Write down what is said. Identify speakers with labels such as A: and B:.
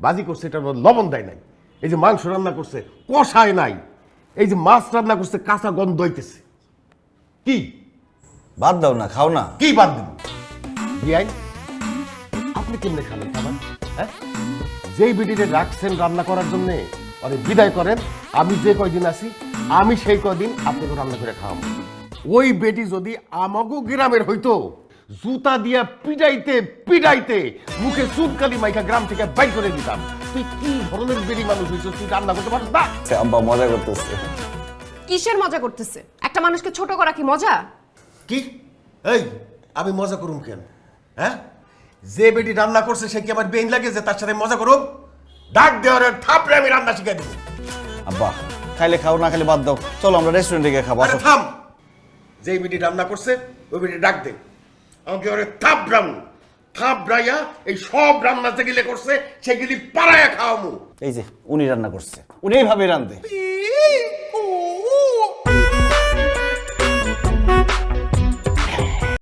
A: ভাজি করছে এটা লবণ দেয় নাই, এই যে মাংস রান্না করছে কষায় নাই, এই যে মাছ রান্না করছে কাঁচা গন্ধ হইতেছে। কি
B: বাদ দাও না, খাও না।
A: কি বাদ দিব? বিয়াই আপনি কেমনে খাবেন খাবার? হ্যাঁ, যেই বিডিতে রাখছেন রান্না করার জন্য আরে বিদায় করেন। আমি যে কয়দিন আছি আমি সেই কয়দিন আপনাকে রান্না করে খাওয়াবো। ওই বেটি যদি আমাগো গ্রামের হইতো, জুতা দিয়া পিটাইতে পিটাইতে মুখে চুনকালি মাইকা গ্রাম থেকে বাইর করে দিতাম। তুই কি ধরনের বেটি মানুষ হইছ, তুই রান্না করতে পারছ না?
B: আব্বা মজা করতেছে।
C: কিসের মজা করতেছে? একটা মানুষকে ছোট করা কি মজা?
A: কি এই আমি মজা করুম কেন? হ্যাঁ, যে বেটি রান্না করছে সে কি আমার বেইন লাগে যে তার সাথে মজা করুম? ডাক দেওয়ার থাপড়ে আমি রান্না শিখাই দেবো।
B: আব্বা খাইলে খাও, না খাইলে বাদ দাও, চলো আমরা রেস্টুরেন্টে গিয়ে খাবো।
A: আরে থাম, যেই বেটি রান্না করছে ওই বেটি ডাক দে, আমাকে ওরে থাপড়াইয়া এই সব রান্না যেগুলি করছে সেগুলি পাড়াইয়া খাওয়ামু।
B: এই যে উনি রান্না করছে, উনি এইভাবে রান্ধে।